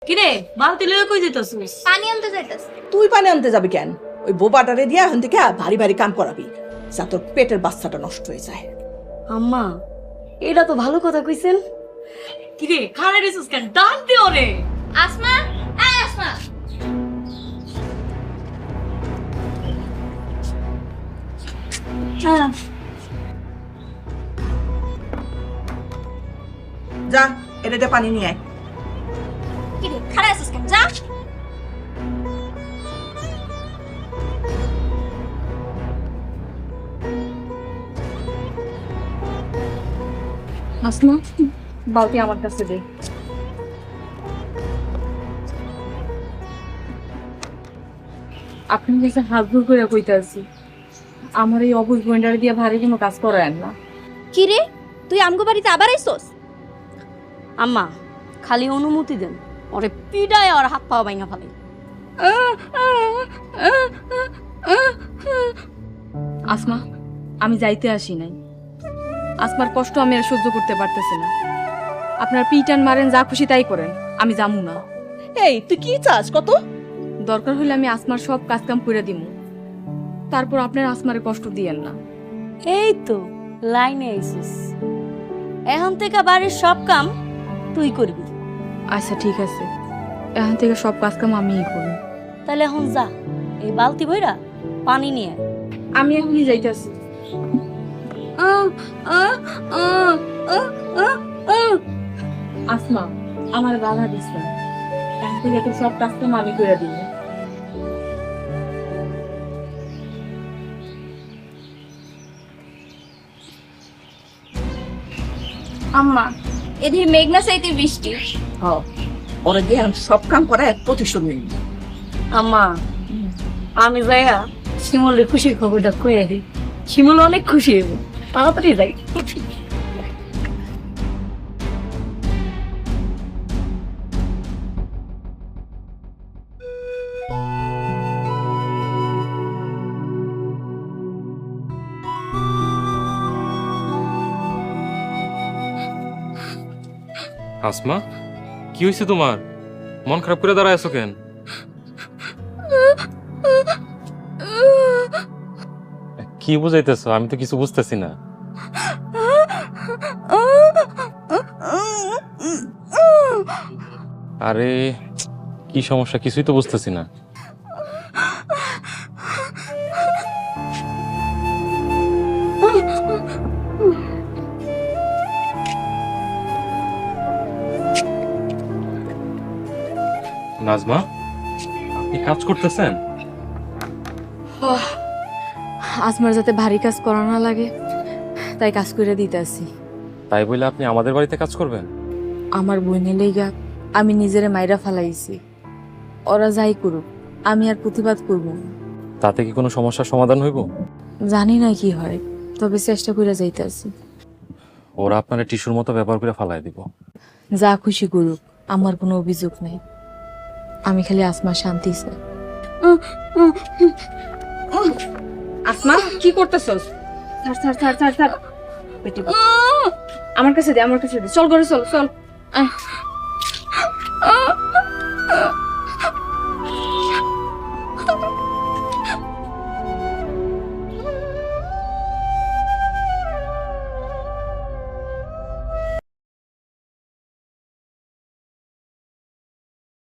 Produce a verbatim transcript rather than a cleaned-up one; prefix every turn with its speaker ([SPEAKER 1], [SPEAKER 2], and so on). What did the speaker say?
[SPEAKER 1] কিরে বালতি লয়ে কই যেতেছিস?
[SPEAKER 2] পানি আনতে যাইতাছি।
[SPEAKER 3] তুই পানি আনতে যাবি কেন? ওই বোবাটারে দিয়া এখন থেকে ভারী ভারী কাম করাবি, যা তোর পেটের বাচ্চাটা নষ্ট হয়ে যায়।
[SPEAKER 1] আম্মা এটা তো ভালো কথা কইছেন। কিরে খাড়া রেছিস কেন? ডাক দে ওরে।
[SPEAKER 2] আসমা, এই আসমা।
[SPEAKER 1] হ্যাঁ
[SPEAKER 3] যা এটাতে পানি নিয়ে আয়।
[SPEAKER 2] কি রে খাড়া আছিস কেন? যা।
[SPEAKER 1] আসমা বালতি আমার কাছে দে। আপনি কাছে হাত জোর করে কইতাছি, আমার এই অবুঝ বইন্ডারে দিয়ে ভারী কোনো কাজ করায় না।
[SPEAKER 2] কি রে তুই আমগো বাড়িতে আবার আইছস? আম্মা খালি অনুমতি দেন, ওরে পিডায় আর হাত পা ভাঙা ফেলে।
[SPEAKER 1] আসমা আমি যাইতে আসি নাই, আসমার কষ্ট আমি আর সহ্য করতে পারতেছি না। আপনার পিটান মারেন, যা খুশি তাই করেন, আমি যামু না।
[SPEAKER 3] এই তুই কি চাস? কত
[SPEAKER 1] দরকার হলে আমি আসমার সব কাজ কাম করে দিমু, তারপর আপনার আসমারে কষ্ট দিয়েন না।
[SPEAKER 2] এই তো লাইনে আইছিস, এখন থেকে বাড়ির সব কাম তুই করবি।
[SPEAKER 1] আচ্ছা ঠিক আছে, এখন থেকে সব কাজ কাম আমিই করি।
[SPEAKER 2] তাহলে এখন যা, এই বালতি বইরা পানি নিয়ে আয়।
[SPEAKER 1] আমি এখনই যাইতেছি। আসমা আমার বাধা দিস না, এখন থেকে তো সব কাজ কাম আমি করে দিব।
[SPEAKER 2] আম্মা এদিকে মেঘনা চাইতে বৃষ্টি।
[SPEAKER 3] হ ওরা দিয়ে আমি সব কাম করা এক প্রতিশোধ নিই।
[SPEAKER 1] আম্মা আমি যাইয়া শিমুলের খুশির খবরটা কয়ে দিই, শিমুল অনেক খুশি হইব। তাড়াতাড়ি যাই।
[SPEAKER 4] আসমা কি হয়েছে তোমার? মন খারাপ করে দাঁড়ায় আছো কেন? কি বুঝাইতেছো? আমি তো কিছু বুঝতেছি না। আরে কি সমস্যা? কিছুই তো বুঝতেছি না। নাজমা আপনি কাজ করতেছেন?
[SPEAKER 1] আসমার যাতে ভারী কাজ করা না লাগে তাই কাজ করে দিতেছি।
[SPEAKER 4] তাই বলে আপনি আমাদের বাড়িতে কাজ করবেন?
[SPEAKER 1] আমার বইনে লেগা আমি নিজেরে মাইরা ফালাইছি, ওরা যাই করুক আমি আর প্রতিবাদ করব না।
[SPEAKER 4] তাতে কি কোনো সমস্যার সমাধান হইব?
[SPEAKER 1] জানি না কি হয়, তবে চেষ্টা করে যাইতেছি।
[SPEAKER 4] ওরা আপনার টিস্যুর মতো ব্যবহার করে ফালাই দিব।
[SPEAKER 1] যা খুশি করুক, আমার কোনো অভিযোগ নেই। আমি খালি আসমার শান্তি চাই। আসমা কি করতেছস? ছাড় ছাড় ছাড় ছাড় ছাড়। পেটে আমার কাছে দে, আমার কাছে দে। চল ঘরে চল চল। আহ